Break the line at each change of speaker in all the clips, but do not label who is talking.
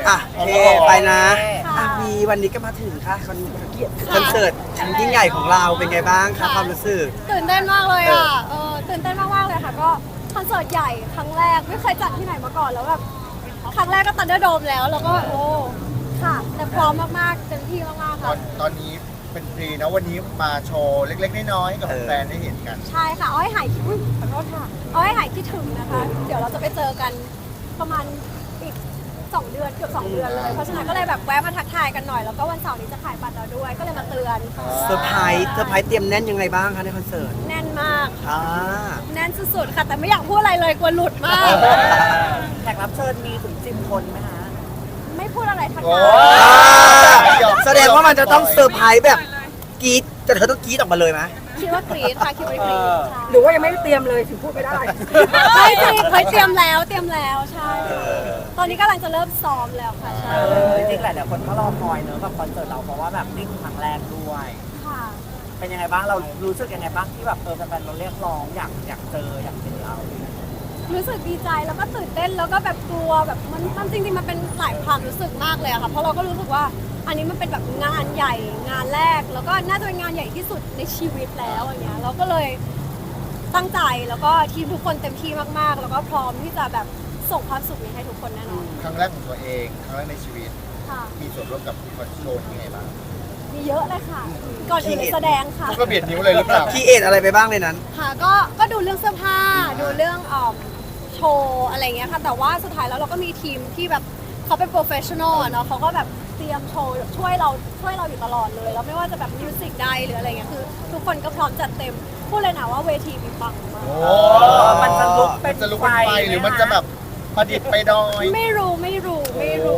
อ่ะโอเคไปนะอ่ะมีวันนี้ก็มาถึงค่ะคอนเสิร์ตอันยิ่งใหญ่ของเราเป็นไงบ้างคะความรู้สึก
ตื่นเต้นมากเลยอ่ะตื่นเต้นมากๆเลยค่ะก็คอนเสิร์ตใหญ่ครั้งแรกไม่เคยจัดที่ไหนมาก่อนแล้วแบบครั้งแรกก็ตันเดอร์โดมแล้วก็โอ้ค่ะแต่พร้อมมากๆเต็มที่มากๆค่ะ
ตอนนี้เป็นฟรีนะวันนี้มาโชว์เล็กๆน้อยๆให้กับแฟนได้เห็นกัน
ใช่ค่ะเอาให้หายขอโทษค่ะเอาให้หายคิดถึงนะคะ เดี๋ยวเราจะไปเจอกันประมาณอีก2 เดือนเกือบ2 เดือนเลยเพราะฉะนั้นก็เลยแบบแวะมาทักทายกันหน่อยแล้วก็วันเสาร์นี้จะขายบัตรเราด้วยก็เลยมาเตือน
เซอร์ไพรส์เตรียมแน่นยังไงบ้างคะในคอนเสิร์ต
แน่นมาก
อ่า
แน่นสุดๆค่ะแต่ไม่อยากพูดอะไรเลยกลัวหลุดมาก
แขกรับเชิญมีถึง10 คนไหมคะ
ไม่พูดอะไรทั้ง
โอ้
นั้น
แสดงว่ามันจะต้องเซอร์ไพรส์แบบกรี๊ดแต่เธอต้องกรี๊ดออกมาเลยไหม
คิดว่ากรี๊ดค่ะคิดว่ากรี๊ดใช่
หรือว่ายังไม่ได้เตรียมเลยถึงพูดไม่ได้
ไม่จริงเคยเตรียมแล้วใช่ ตอนนี้กำลังจะเริ่มซ้อมแล้วค่ะใช่
จริงๆหลายๆคนก็รอคอยเนอะกับคอนเสิร์ตเราเพราะว่าแบบนี่คือครั้งแรกด้วย
ค่ะ
เป็นยังไงบ้างเรารู้สึกยังไงบ้างที่แบบแฟนๆเราเรียกร้องอยากเจออยากเห็นเรา
รู้สึกดีใจแล้วก็ตื่นเต้นแล้วก็แบบกลัวแบบมันจริงๆมันเป็นหลายความรู้สึกมากเลยอะค่ะเพราะเราก็รู้สึกว่าอันนี้มันเป็นแบบงานใหญ่งานแรกแล้วก็น่าจะเป็นงานใหญ่ที่สุดในชีวิตแล้วอย่างเงี้ยเราก็เลยตั้งใจแล้วก็ทีมทุกคนเต็มที่มากๆ แล้วก็พร้อมที่จะแบบส่งความสุขนี้ให้ทุกคนแน่นอน
ครั้งแรกของตัวเองครั้งแรกในชีวิต
ค่ะ
มีส่วนร่วมกับคอนโชว์ยังไงบ้าง
มีเยอะเลยค่ะ ก่อนอื่นเลยแสดงค่ะ
ก็เบียดนิ้วเลยหรือเปล่า
คีเอทอะไรไปบ้างในนั้น
ค่ะก็ดูเรื่องเสื้อผ้าดูเรื่องโชว์อะไรเงี้ยค่ะแต่ว่าสุดท้ายแล้วเราก็มีทีมที่แบบเขาเป็นโปรเฟชชั่นอลเนาะเขาก็แบบเตรียมโชว์ช่วยเราอยู่ตลอดเลยแล้วไม่ว่าจะแบบมิวสิกใดหรืออะไรเงี้ยคือทุกคนก็พร้อมจัดเต็มพูดเลยนะว่าเวทีมีปังมาก
โอ้
มันจะลุกเป็
มัน นจะลุกเป็นไฟหรือมันจะแบบประดิษฐ์ไปดอย
ไม่รู้
ไม่ได้หรือ
ไม่รู้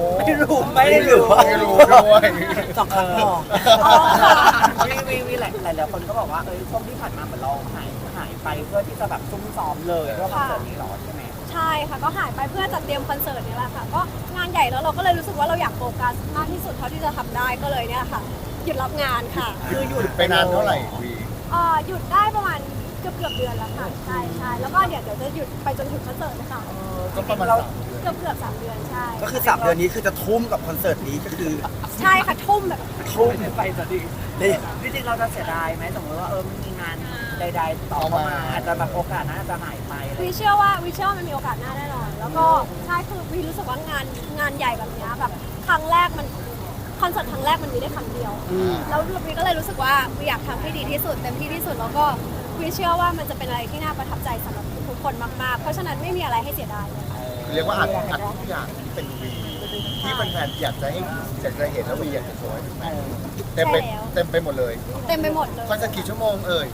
ด้วย
สองครั้งพอ
อ๋อค่ะ
วีหลายๆคนก็บอกว่าช่วงที่ผ่านมาเหมือนเราหายไปเพื่อที่จะแบบซุ่มซ้อมเลยเพื่อคอนเสิร์ตนี้หรอใช่ไหม
ใช่ค่ะก็หายไปเพื่อจัดเตรียมคอนเสิร์ตนี่แหละค่ะก็งานใหญ่แล้วเราก็เลยรู้สึกว่าเราอยากโฟกัสมากที่สุดเท่าที่จะทำได้ก็เลยเนี่ยค่ะหยุดรับงานค่ะ
คือหยุด
ไปนานเท่าไหร่วี
หยุดได้ประมาณเกือบเดือนแล้วค่ะใช่แล้วก็เดี๋ยวจะหยุดไปจนถึงคอนเสิร์ตเลยค่ะ
ก็ประมาณ
เกือบ3 เดือนใช่
ก็คือ3 เดือนนี้คือจะทุ่มกับคอนเสิร์ตนี้ก็คือ
ใช่ค่ะทุ่มแบบ
ทุ่ม
ไปจะดี
นี่
จริงๆเราจะเสียดายไหมสมมติว่ามันมีงานใดๆต่อเข้ามาอาจจะแบบโอกาสนั้นอาจจะหายไปอะไร
วิเชื่อว่ามันมีโอกาสหน้าแน่นอนแล้วก็ใช่คือวิรู้สึกว่างานใหญ่แบบเนี้ยแบบครั้งแรกมันคอนเสิร์ตครั้งแรกมันมีได้ครั้งเดียวแล้ววิก็เลยรู้สึกว่าวิอยากทำให้ดีที่สุดเต็มที่ที่สุดแล้วก็วิเชื่อว่ามันจะเป็นอะไรที่น่าประทับใจสำหรับทุกคนมากๆ เพราะฉะนั้นไม่มีอะไรให้เสียดายเลยค่ะ
เรียกว่าอัดทุกอย่างที่เป็นวีที่แฟนๆอยากจะเห็นแล้ววีอยากจะโชว์ให้แฟนเต็มไปหมดเลย
เต็มไปหมดเลย
คอนเสิร์ตกี่ชั่วโมงเอ่ยว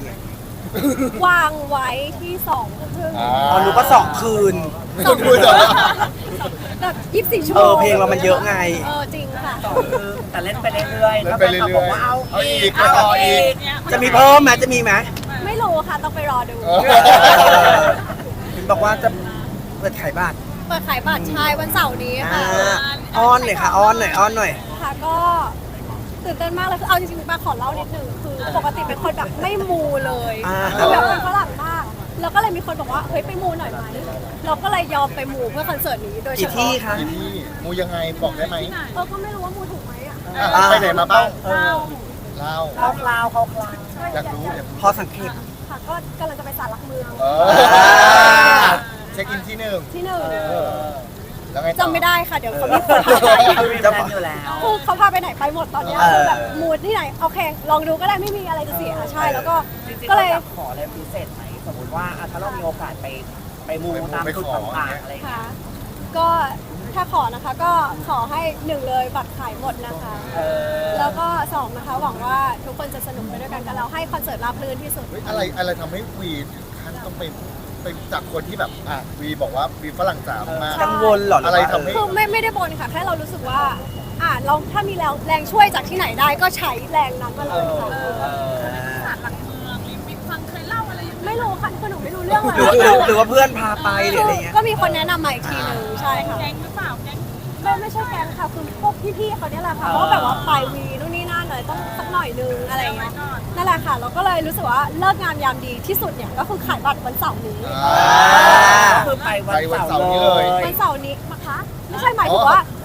างไว้ที่2 ทุ่ม
อ๋อหนูก็2 คืน
คุณพูดเหรอ
แบบ24 ชั่วโมง
เพลงเรามันเยอะไง
จริงค่ะ
แต่เล่นไปเรื่อยๆ
เล่
ก็
น
ไป
ไปเรื่อยๆ
บอกว่าเอา
เอาอี
อี
ก
กเอา
เอาอี
อี
ก
ก
จะมีเพิ่มไหมจะมีไหม
ไม่รู้ค่ะต้องไปรอดู
เห็นบอกว่าจะเปิดขายบัตร
เปิดขายบัตรชายวันเสาร์นี้ค่ะ
อ้อนหน่อยค่ะอ้อนหน่อย
ค่ะก็ตื่นเต้นมากเลยคือเอาจริงๆมาขอเล่านิดนึงคือปกติเป็นคนแบบไม่มูเลยคือแบบเป็นฝรั่งมากแล้วก็เลยมีคนบอกว่าเฮ้ยไปมูหน่อยไหมเราก็เลยยอมไปมูเพื่อคอนเสิร์ตนี้โดยเฉ
กี่ที่
พาะ
คะ
ที่นี่มูยังไงบอกได้ไหม
ก็ไม่รู้ว่ามูถูกไหมอ่ะ
ไปไหนมาบ้าง
เล่า
เล่า
เขาคลาว
อยากรู้
พอสังเกต
ค่ะก็กำลังจะไปศาลหลักเมือง
เช็คอินที่หนึ่ง
ที่หนึ่ง
แล้วไงต่อ
จำไม่ได้ค่ะเดี๋ยวเขามีคนพาไป
มีแฟนอยู่แล้ว
คือเขาพาไปไหนไปหมดตอนเนี้ยคือแบบมูดที่ไหนโอเคลองดูก็ได้ไม่มีอะไรจะเสียใช่แล้วก็
จริงๆ
ก็
เรา
เลย
อยากขออะไรพิเศษไหมสมมติว่าถ้าเรามีโอกาสไปมูตามจุดต่างๆอะไรอย่างเงี้
ค่ะ
ย
ก็ถ้าขอนะคะก็ขอให้1เลยบัตรขายหมดนะคะ แล้วก็2นะคะหวังว่าทุกคนจะสนุกไปด้วยกันกับเราให้คอนเสิร์ตราบรื่นที่สุด
เฮ้ยอะไรทำให้วีถึงขั้นต้องไปจากคนที่แบบวีบอกว่าวีฝรั่งจ๋ามาก
กังวลเหรอ
อะไรทำให้
คือไม่ได้บนค่ะแค่เรารู้สึกว่าเราถ้ามีแรงช่วยจากที่ไหนได้ก็ใช้แรงนั้นมาเลยค่ะไม่รู้ค่ะคือหนูไม่รู้เรื่องเลย
หรือว่าเพื่อนพาไปหรืออะไรเงี้ย
ก็มีคนแนะนำมาอีกทีหนึ่งใช่ค่ะแก๊งหรือเปล่าแก๊งไม่ใช่แก๊งค่ะคือพวกพี่ๆเขาเนี่ยแหละค่ะเพราะว่าแบบว่าไปวีนู่นนี่นั่นเลยต้องสักหน่อยนึงอะไรอย่างเงี้ยนั่นแหละค่ะเราก็เลยรู้สึกว่าเลิกงามยามดีที่สุดเนี่ยก็คือขายบัตรวันเสาร์นี้
ก็คือไปวันเสาร์เลย
วันเสาร์นี้นะคะไม่ใช่หมายถึงว่า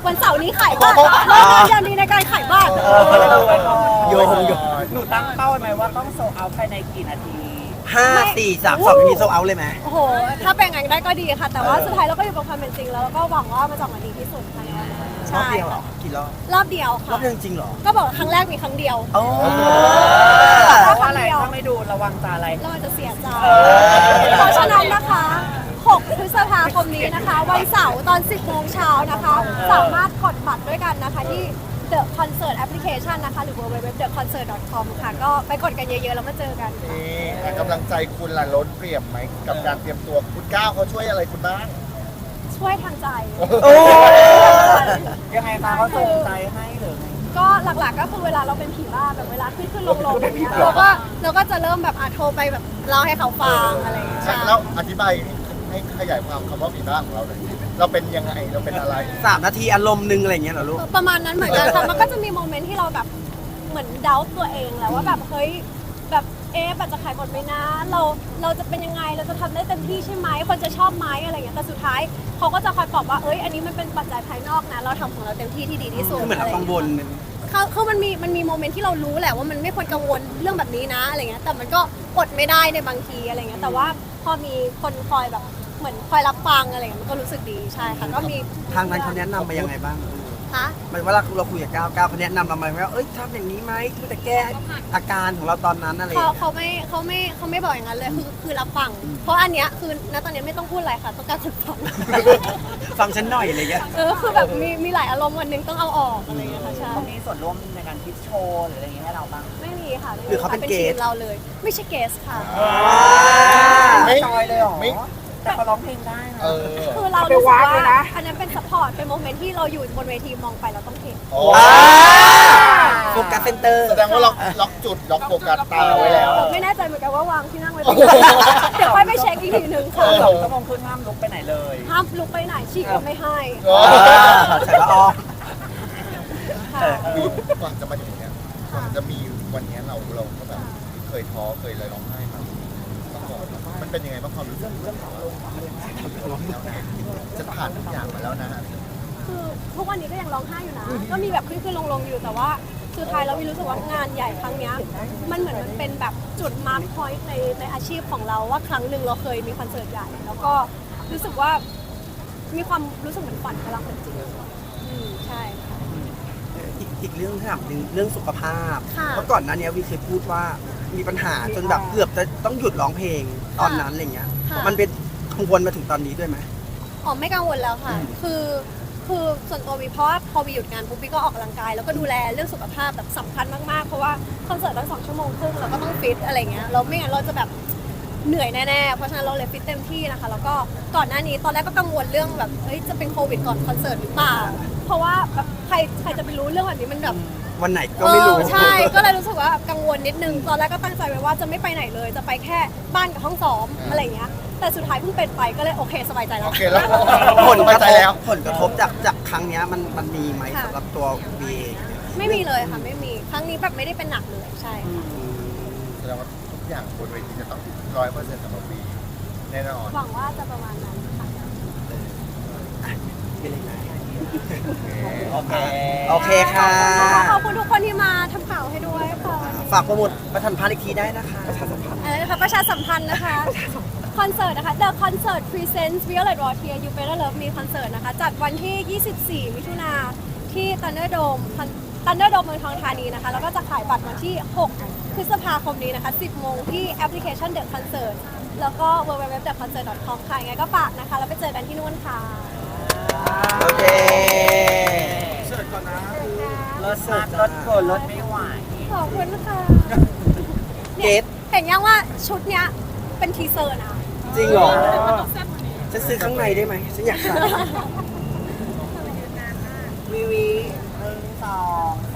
วันเสาร์นี้ขายบัตรเลิกงานดีในการขายบัตร
โยง
หนูตั้งเป้าไหมว่าต้องโซเอาภายในกี่นาที
5 4 3 2มีโซเอาเลยไหม
โอ้โห ถ้าเป็นอย่างนั้นได้ก็ดีค่ะ แต่ว่าสุดท้ายเราก็อยู่กับความเป็นจริงแล้วก็หวังว่ามันจะออกมาดีที่สุดค่ะ
รอบ
ใช่
เดียวเหรอกี่รอบ
รอบเดียว
รอ
ค่ะ
บเดียวจริงเหรอ
ก็บอกว่าครั้งแรกมีครั้งเดียว
โอ้
เพราะว่าอะไรถ้าไม่ดูระวังจะอะไร
เราอาจจะเสียใจเพราะฉะนั้นนะคะ 6 พฤษภาคมนี้นะคะ วันเสาร์ตอน 10 โมงเช้านะคะ สามารถกดบัตรด้วยกันนะคะที่ The Concert Application นะคะ หรือ www.theconcert.com ค่ะ ก็ไปกดกันเยอะๆ แล้วมาเจอกันค่ะ
นี่กำลังใจคุณล่ะล้นเปรียบไหมกับการเตรียมตัวคุณก้าวเขาช่วยอะไรคุณบ้าง
ช่วยทางใจ
โอ้
ยังไงคะเขาส่งใจให้หรือไง
ก็หลักๆก็คือเวลาเราเป็นผีบ้าแบบเวลาขึ้นลงๆอย่างเงี้ยเราก็จะเริ่มแบบโทรไปแบบเล่าให้เขาฟังอะไรอย่างเงี้ยใช่
แล้วอธิบายให้ขยายความคำว่าผีบ้าของเราหน่อยเราเป็นยังไงเราเป็นอะไร
3 นาทีอารมณ์นึงอะไรอย่างเงี้ยเหรอลูก
ประมาณนั้นเหมือนกันค่ะมันก็จะมีโมเมนต์ที่เราแบบเหมือนเดาตัวเองแหละว่าแบบเฮ้ยแบบบัตรจะขายหมดไหมนะเราจะเป็นยังไงเราจะทำได้เต็มที่ใช่ไหมคนจะชอบไหมอะไรอย่างเงี้ยแต่สุดท้ายเขาก็จะคอยปลอบว่าอันนี้มันเป็นปัจจัยภายนอกนะเราทำของเราเต็มที่ที่ดีที่สุด
คือเหมือนเรากังวล
คือมันมีโมเมนต์ที่เรารู้แหละว่ามันไม่ควรกังวลเรื่องแบบนี้นะอะไรเงี้ยแต่มันก็อดไม่ได้ในบางทีอะไรเงี้ยแต่ว่าพอมีคนคอยแบบเหมือนคอยรับฟังอะไรเงี้ยมันก็รู้สึกดีใช่ค่ะก็มี
ทางนั้นเขาแนะนำมายังไงบ้าง
คะ
หมายว่าเราคุยกับก้าวเขาแนะนำเราไหมว่าทำอย่างนี้ไหมเพื่อจะแก้อาการของเราตอนนั้นอะไรอย่างเงี้ย
เขาไม่บอกอย่างนั้นเลยคือรับฟังเพราะอันเนี้ยคือณตอนนี้ไม่ต้องพูดอะไรค่ะต้องการคนฟัง
ฟังฉันหน่อยอะไรเงี้ย
คือแบบมีหลายอารมณ์วันหนึงต้องเอาออกอะไรเงี้ยค่ะใช่
เขามีส่วนร่วมในการคิดโชว์หรืออะไรอย่างเงี้ยให้เราบ้าง
ไม่มีค่ะไม่มี
หรือเขาเป็นเกส
ทีมเราเลย ไม่ใช่เกสค่ะ
ไม่
จอยเลยเหรอ
ไม่
แต่เขาร้องเพลงได้นะ
คือเรารู้สึกว่าอันนั้นเป็นซัพพอร์ตเป็นโมเมนต์ที่เราอยู่บนเวทีมองไปเราต้องเห็น
โอ้
โฟกัสเซนเตอร์
แสดงว่าล็อกจุดล็อกโฟกัสตาไว้แล้ว
ไม่แน่ใจเหมือนกันว่าวางที่นั่งไว้ตรงไหนเดี๋ยวค่อยไปเช็คอีกทีนึงค่ะ
2 ชั่วโมงครึ่งห้ามลุกไปไหนเลย
ห้ามลุกไปไหนฉีกก็ไม่ให้
ใส่ละออ
ค่ะ
ก่อนจะมาถึงเนี้ยก่อนจะมีวันเนี้ยเราก็แบบเคยท้อเคยเลยร้องไห้มาก่อนมันเป็นยังไงบ้างความรู้สึกจะผ่านทุกอย่างมาแล้วนะ
คือทุกวันนี้ก็ยังร้องไห้อยู่นะ ก็มีแบบขึ้นลงอยู่แต่ว่าสุดท้ายเรารู้สึกว่างานใหญ่ครั้งเนี้ยมันเหมือนมันเป็นแบบจุดมาร์คพอยต์ในอาชีพของเราว่าครั้งหนึ่งเราเคยมีคอนเสิร์ตใหญ่ แล้วก็รู้สึกว่ามีความรู้สึกเหมือนฝันกำลังเป็นจริงใช่ค่ะ
อีกเรื่องที่ถามหนึ่งเรื่องสุขภาพ
ค่ะ
เพราะก่อนหน้านี้วีเคยพูดว่ามีปัญหาจนแบบเกือบจะต้องหยุดร้องเพลงตอนนั้นอะไรเงี้ย
ค่ะ
มันเป็นกังวลมาถึงตอนนี้ด้วยไหม
อ๋อไม่กังวลแล้วค่ะ คือส่วนตัววีเพราะว่าพอวีหยุดงานปุ๊บวีก็ออกกำลังกายแล้วก็ดูแลเรื่องสุขภาพแบบสำคัญมากๆ เพราะว่าคอนเสิร์ตตั้ง2 ชั่วโมงครึ่งเราก็ต้องฟิตอะไรเงี้ยเราไม่งั้นเราจะแบบเหนื่อยแน่ๆ เพราะฉะนั้นเราเลยฟิตเต็มที่นะคะ แล้วก็ก่อนหน้านี้ตอนแรกก็กังวลเรื่องแบบจะเป็นโควิดก่อนคอนเสิร์ตหรือเปล่า เพราะว่าแบบใครจะไปรู้เรื่องแบบนี้มันแบบ
วันไหนก็ไม่รู้
ใช่ ก็เลยรู้สึกว่ากังวลนิดนึง ตอนแรกก็ตั้งใจไว้ว่าจะไม่ไปไหนเลย จะไปแค่บ้านกับห้องซ้อมอะไรเงี้ย แต่สุดท้ายเพิ่งเป็นไปก็เลยโอเคสบายใจแล้
โอ
ว
เคแล้ว
ผล
ส
ก
บาย
ระ
ใจ
ทบ
แล้ว
ผลกระทบจากครั้งเนี้ยมันมีไหม
ค่ะ
สำหรับตัววีเอง
ไม่มีเลยค่ะไม่มี ครั้งนี้แบบไม่ได้เป็นหนักเลยใช่ค่ะ
แสดงว่าทุกอย่างบนเวทีจะต้อง100%สำหรับวีแน่นอน
หวังว่าจะประมาณนั้นค่ะ
เป็นยังไง
โอเค
โอเคค่ะ
ขอบคุณทุกคนที่มาทำข่าวให้ด้วยค่ะ
ฝากโปรโมทประทันพันธ์อีกทีได้นะคะประชาสัมพันธ์
อะไรนะคะประชาสัมพันธ์นะคะ คอนเสิร์ตนะคะ The Concert Presents Violet Rotier You Better Love Me คอนเสิร์ตนะคะ จัดวันที่ 24 มิถุนาที่ Thunderdome เมืองทองธานีนะคะ แล้วก็จะขายบัตรวันที่ 6 พฤษภาคมนี้นะคะ 10 โมงที่แอปพลิเคชัน The Concert แล้วก็ www.theconcert.com ค่ะยังไงก็ฝากนะคะ แล้วไปเจอกันที่นู่นค่ะ
โอเค
รถมากรถเกินรถไม่ไหว
ขอบคุณค่ะ
เกต
เห็นยังว่าชุดเนี้ยเป็นทีเซอร์นะ
จริงเหรอจะซื้อข้างในได้ไหมฉันอยากใส่
วีวี1 2